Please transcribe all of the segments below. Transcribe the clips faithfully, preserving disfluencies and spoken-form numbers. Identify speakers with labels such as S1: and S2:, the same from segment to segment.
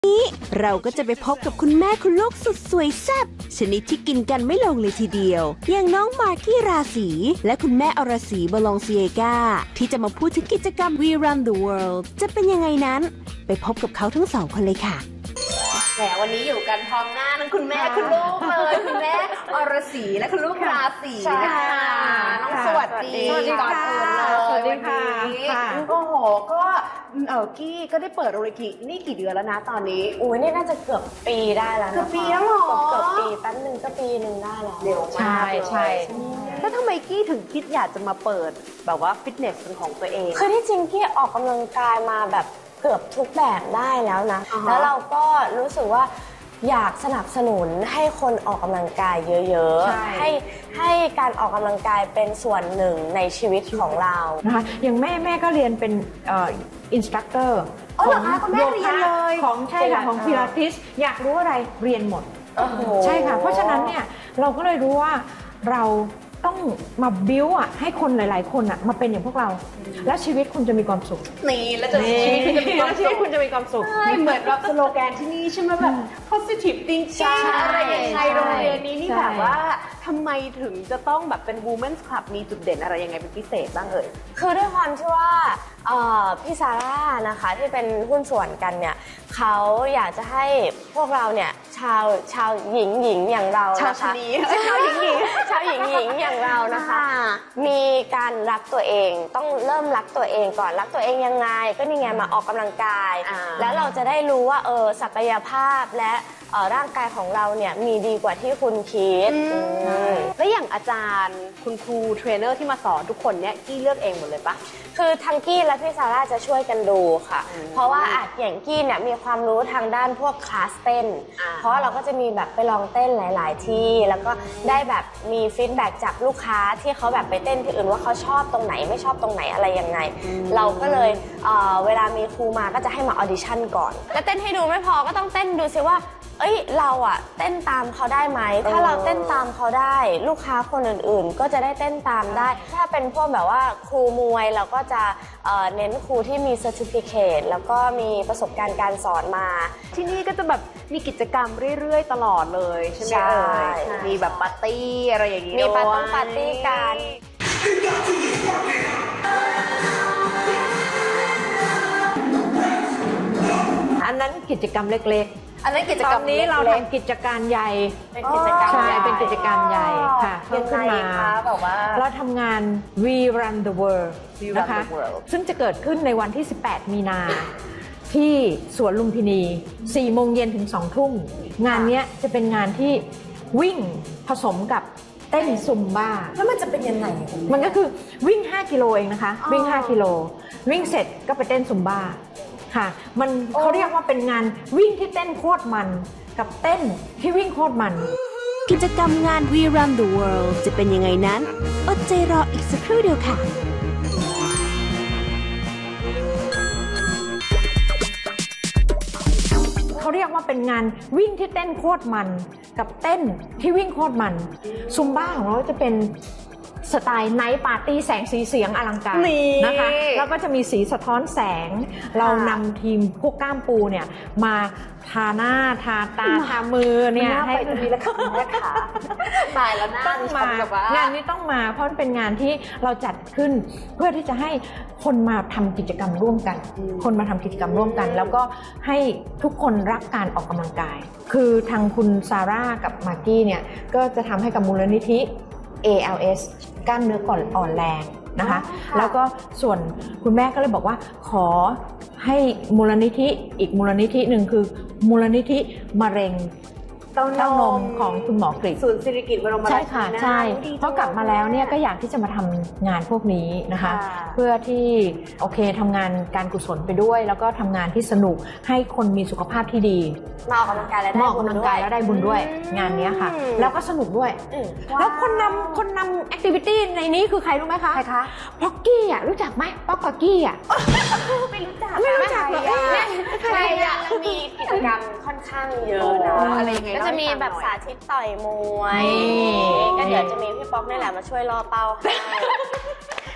S1: นี้เราก็จะไปพบกับคุณแม่คุณลูกสุดสวยแซ่บชนิดที่กินกันไม่ลงเลยทีเดียวอย่างน้องมากกี้ราศีและคุณแม่อรศรีบลองเซียกาที่จะมาพูดถึงกิจกรรม We Run the World จะเป็นยังไงนั้นไปพบกับเขาทั้งสองคนเลยค่ะแหมวันนี้อยู่กันพร้อมหน้าทั้งคุณแม่คุณลูกเลยคุณแม่อรศรีและคุณลูกราศีนะคะน้องสวัสดีก่อนอื่นเลยสวัสดีค่ะโอ้โหก็เออกี้ก็ได้เปิดโรงเรียนนี่กี่เดือนแล้วนะตอนนี้
S2: อุ้ยนี่น่าจะเกือบปีได้แล้วนะ
S1: เกือบปีแล้วหรอ
S2: เกือบปีแป๊บนึงก็ปีหนึ่งได้แล้ว
S1: เร็วมาก
S2: ใช่ใช่
S1: แล้วทำไมกี้ถึงคิดอยากจะมาเปิดแบบว่าฟิตเนสเป็นของตัวเอง
S2: คือที่จริงกี้ออกกำลังกายมาแบบเกือบทุกแบบได้แล้วนะ uh-huh. แล้วเราก็รู้สึกว่าอยากสนับสนุนให้คนออกกำลังกายเยอะๆให้ให้การออกกำลังกายเป็นส่วนหนึ่งในชีวิตของเรา
S3: นะคะอย่างแม่แม่ก็เรียนเป็นอินสตรัคเตอร์
S1: ของโยคะ
S3: ของใช่ค่ะของพิลาทิสอยากรู้อะไรเรียนหมดใช่ค่ะเพราะฉะนั้นเนี่ยเราก็เลยรู้ว่าเราต้องมาบิ้วอ่ะให้คนหลายๆคนอ่ะมาเป็นอย่างพวกเราแล้วชีวิตคุณจะมีความสุข
S1: นี่แล้วจะชีวิตคุณจะมีความสุข
S3: ชีวิตคุณจะมีความสุข
S1: เหมือนแบบสโลแกนที่นี่ใช่ไหมแบบ positive thinking อะไรอย่างไรโรงเรียนนี้นี่แบบว่าทำไมถึงจะต้องแบบเป็น women's club มีจุดเด่นอะไรยังไงเป็นพิเศษบ้างเอ่ย
S2: คือด้วยความที่ว่าพี่ซาร่านะคะที่เป็นหุ้นส่วนกันเนี่ยเขาอยากจะให้พวกเราเนี่ยชาวชาวหญิงหญิงอย่างเรา
S1: ชาวชนีชาวหญิงหญิง
S2: ชาวหญิงหญิงอย่างเรานะคะมีการรักตัวเองต้องเริ่มรักตัวเองก่อนรักตัวเองยังไงก็นี่ไงมาออกกำลังกายแล้วเราจะได้รู้ว่าเออศักยภาพและร่างกายของเราเนี่ยมีดีกว่าที่คุณคิด
S1: แล้วอย่างอาจารย์คุณครูเทรนเนอร์ที่มาสอนทุกคนเนี่ยกี้เลือกเองหมดเลยปะ
S2: คือทั้งกี้และพี่ซาร่าจะช่วยกันดูค่ะเพราะว่าอาจอย่างกี้เนี่ยมีความรู้ทางด้านพวกคลาสเต้นเพราะเราก็จะมีแบบไปลองเต้นหลายๆที่แล้วก็ได้แบบมีฟีดแบ็กจากลูกค้าที่เขาแบบไปเต้นที่อื่นว่าเขาชอบตรงไหนไม่ชอบตรงไหนอะไรยังไงเราก็เลยเอ่อเวลามีครูมาก็จะให้มาออดิชั่นก่อนแล้วเต้นให้ดูไม่พอก็ต้องเต้นดูซิว่าเอ้ยเราอะเต้นตามเขาได้ไหมถ้าเราเต้นตามเขาได้ลูกค้าคนอื่นๆก็จะได้เต้นตามได้ถ้าเป็นพวกแบบว่าครูมวยเราก็จะเอ่อเน้นครูที่มีเซอร์ติฟิเคตแล้วก็มีประสบการณ์การสอนมา
S1: ที่นี่ก็จะแบบมีกิจกรรมเรื่อยๆตลอดเลยใช่ไหมเอ่ยมีแบบปาร์ตี้อะไรอย่างนี้
S2: มีปาร์ตี้ปาร์ตี้กัน
S3: อันนั้นกิจกรรมเล็กๆ
S1: อันนั้นกิจกรรม
S3: นี้เราทำกิจการใหญ่
S2: เป็นกิจกรรม
S3: ใช่เป็นกิจการใหญ่ค่ะเพิ่มขึ้นมาเราทำงาน We Run the World นะคะซึ่งจะเกิดขึ้นในวันที่สิบแปดมีนาที่สวนลุมพินีสี่โมงเย็นถึงสองทุ่มงานนี้จะเป็นงานที่วิ่งผสมกับเต้นซุมบ้า
S1: แล้วมันจะเป็นยังไง
S3: มันก็คือวิ่งห้ากิโลเองนะคะวิ่งห้ากิโลวิ่งเสร็จก็ไปเต้นซุมบ้าค่ะมันเขาเรียกว่าเป็นงานวิ่งที่เต้นโคตรมันกับเต้นที่วิ่งโคตรมัน
S1: กิจกรรมงาน We Run the World จะเป็นยังไงนั้นอดใจรออีกสักครู่เดียวค่ะ
S3: เขาเรียกว่าเป็นงานวิ่งที่เต้นโคตรมันกับเต้นที่วิ่งโคตรมันซุมบ้าของเราจะเป็นสไตล์ไนท์ปาร์ตี้แสงสีเสียงอลังการนะคะแล้วก็จะมีสีสะท้อนแสงเรานำทีมพวกก้ามปูเนี่ยมาทาหน้าทาตาทามือเนี่ย
S1: ให้ตรงนี้แล้วค่ะแม่ขาตายแล้วหน้า
S3: ต้องมางานนี้ต้องมาเพราะเป็นงานที่เราจัดขึ้นเพื่อที่จะให้คนมาทำกิจกรรมร่วมกันคนมาทำกิจกรรมร่วมกันแล้วก็ให้ทุกคนรักการออกกำลังกายคือทางคุณซาร่ากับมากกี้เนี่ยก็จะทำให้กับมูลนิธิ เอ แอล เอส กล้ามเนื้อก่อนอ่อนแรงนะคะแล้วก็ส่วนคุณแม่ก็เลยบอกว่าขอให้มูลนิธิอีกมูลนิธิหนึ่งคือมูลนิธิมะเร็งเต้านมของคุณหมอกฤษ
S1: ศูนย์สิริกิติ์บรมราชินี
S3: ใช่ค่ะใช่เพราะกลับมาแล้วเนี่ยก็อยากที่จะมาทำงานพวกนี้นะคะเพื่อที่โอเคทำงานการกุศลไปด้วยแล้วก็ทำงานที่สนุกให้คนมีสุขภาพที่ดี
S2: มาออกกำลังกายแล้ว
S3: ได้บุญด้วยแล้วได้บุญด้วยงานนี้ค่ะแล้วก็สนุกด้วยแล้วคนนำคนนำแอคทิวิตี้ในนี้คือใครรู้ไหมคะ
S2: ใครคะ
S3: ป๊อกกี้อ่ะรู้จักไหมป๊อกกับกี้อ่ะ
S2: ไม่รู้จัก
S3: ไม่รู้จักหรอ
S2: ใครอ่ะมีกิจกรรมค่อนข้างเยอะนะอะไรอย่างเงี้ยก็จะมีแบบสาธิตต่อยมวยก็เดี๋ยวจะมีพี่ป๊อกนี่แหละมาช่วยล่อเป้าให้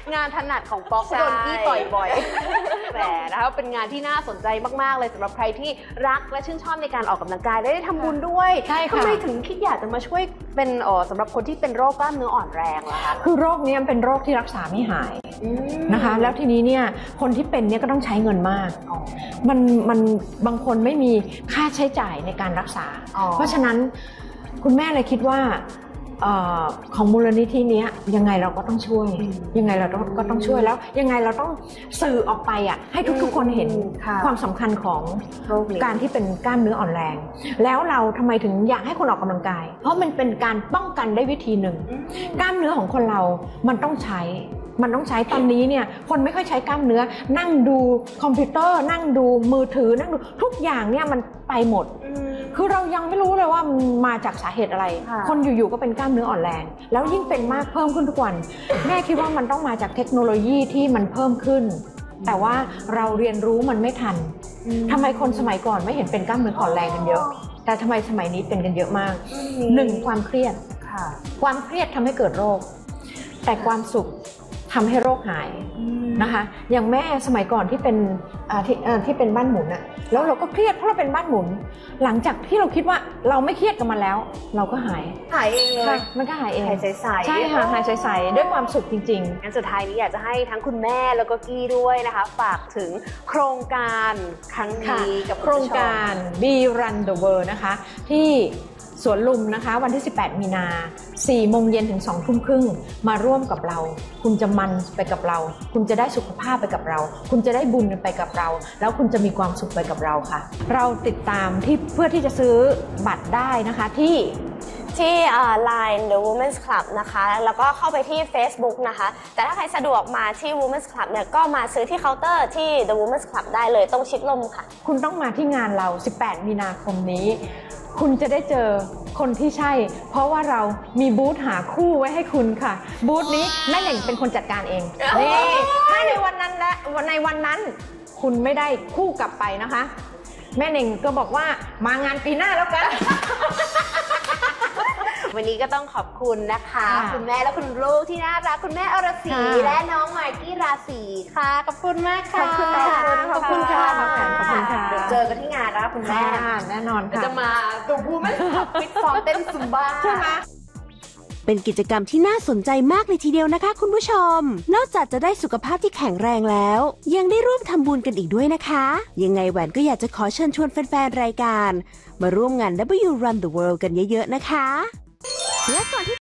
S4: งานถนัดของป๊อก
S2: ใช่
S4: โดนกี้ต่อยบ่อยแหมนะคะเป็นงานที่น่าสนใจมากๆเลยสำหรับใครที่รักและชื่นชอบในการออกกำลังกายและได้ทำบุญด้วย
S3: ใช่ค่ะ
S4: ทำไมถึงคิดอยากจะมาช่วยเป็นเอ่อสำหรับคนที่เป็นโรคกล้ามเนื้ออ่อนแรงล่ะคะ
S3: คือโรคนี้มันเป็นโรคที่รักษาไม่หายนะคะ แล้วทีนี้เนี่ยคนที่เป็นเนี่ยก็ต้องใช้เงินมาก มันมันบางคนไม่มีค่าใช้จ่ายในการรักษา
S4: อ๋อ
S3: เพราะฉะนั้นคุณแม่เลยคิดว่าเออของมูลนิธิเนี้ยยังไงเราก็ต้องช่วย ยังไงเราต้องก็ต้องช่วยแล้ว ยังไงเราต้องสื่อออกไปอ่ะให้ทุกๆคนเห็น
S4: ค่ะ
S3: ความสำคัญของ
S4: โรคนี้
S3: การที่เป็นกล้ามเนื้ออ่อนแรง แล้วเราทำไมถึงอยากให้คนออกกำลังกาย เพราะมันเป็นการป้องกันได้วิธีหนึ่ง กล้ามเนื้อของคนเรามันต้องใช้ มันต้องใช้ตอนนี้เนี่ยคนไม่ค่อยใช้กล้ามเนื้อ นั่งดูคอมพิวเตอร์ นั่งดูมือถือ นั่งดูทุกอย่างเนี่ยมันไปหมด คือเรายังไม่รู้เลยว่ามันมาจากสาเหตุอะไร
S4: ค่ะ
S3: คนอยู่ๆก็เป็นกล้ามเนื้ออ่อนแรง แล้วยิ่งเป็นมากเพิ่มขึ้นทุกวัน แม่คิดว่ามันต้องมาจากเทคโนโลยีที่มันเพิ่มขึ้น แต่ว่าเราเรียนรู้มันไม่ทันทำไมคนสมัยก่อนไม่เห็นเป็นกล้ามเนื้ออ่อนแรงกันเยอะ แต่ทำไมสมัยนี้เป็นกันเยอะมากหนึ่งความเครียด
S4: ค่ะ
S3: ความเครียดทำให้เกิดโรค แต่ความสุขทำให้โรคหายนะคะ อย่างแม่สมัยก่อนที่เป็นอ่าที่อ่าที่เป็นบ้านหมุนอะแล้วเราก็เครียดเพราะเราเป็นบ้านหมุน หลังจากที่เราคิดว่าเราไม่เครียดกับมันแล้ว เราก็หาย
S4: หายเองเลย
S3: ค่ะมันก็หายเอง
S4: หายใสๆ
S3: ใช่ค่ะหายใสๆด้วยความสุขจริง ๆ
S4: งั้นสุดท้ายนี้อยากจะให้ทั้งคุณแม่แล้วก็กี้ด้วยนะคะ ฝากถึงโครงการครั้ง
S3: ค่ะ
S4: นี้กับ
S3: โครงการ Be Run the World นะคะ ที่สวนลุมนะคะวันที่ สิบแปด มีนา สี่โมงเย็นถึง สองทุ่มครึ่งมาร่วมกับเรา คุณจะมันไปกับเรา คุณจะได้สุขภาพไปกับเรา คุณจะได้บุญไปกับเรา แล้วคุณจะมีความสุขไปกับเราค่ะ เราติดตามที่เพื่อที่จะซื้อบัตรได้นะคะที่
S2: ที่ไลน์ The Women's Club นะคะ แล้วก็เข้าไปที่ Facebook นะคะ แต่ถ้าใครสะดวกมาที่ Women's Club เนี่ยก็มาซื้อที่เคาน์เตอร์ที่ The Women's Club ได้เลยตรงชิดลมค่ะ
S3: คุณต้องมาที่งานเรา สิบแปด มีนาคมนี้ คุณจะได้เจอคนที่ใช่ เพราะว่าเรามีบูธหาคู่ไว้ให้คุณค่ะ บูธนี้แม่เหน่งเป็นคนจัดการเอง นี่ ถ้าในวันนั้นและในวันนั้น คุณไม่ได้คู่กลับไปนะคะ แม่เหน่งก็บอกว่ามางานปีหน้าแล้วกัน
S4: วันนี้ก็ต้องขอบคุณนะคะ
S3: ค่ะ
S4: คุณแม่และคุณลูกที่น่ารักคุณแม่อรศรี
S3: ค่ะ
S4: และน้องมากกี้ราศีค่ะขอบคุณมากค่ะ
S3: ขอบคุณค่ะ
S4: ขอบคุณค่ะ
S3: ขอบคุณค่ะขอบคุณค่ะ
S4: เดี๋ยวเจอกันที่งานนะคะคุณแม่
S3: ค่ะแน่นอน
S4: เดี๋ยว
S3: ค่ะ
S4: จะมาดูบูมแมนขับฟิตซ้อมเต้นซุมบ้า
S3: ใช่ไหม
S1: เป็นกิจกรรมที่น่าสนใจมากเลยทีเดียวนะคะคุณผู้ชม นอกจากจะได้สุขภาพที่แข็งแรงแล้ว ยังได้ร่วมทำบุญกันอีกด้วยนะคะ ยังไงแหวนก็อยากจะขอเชิญชวนแฟนๆรายการ มาร่วมงาน ดับเบิลยู Run the World กันเยอะๆนะคะ และก่อนที่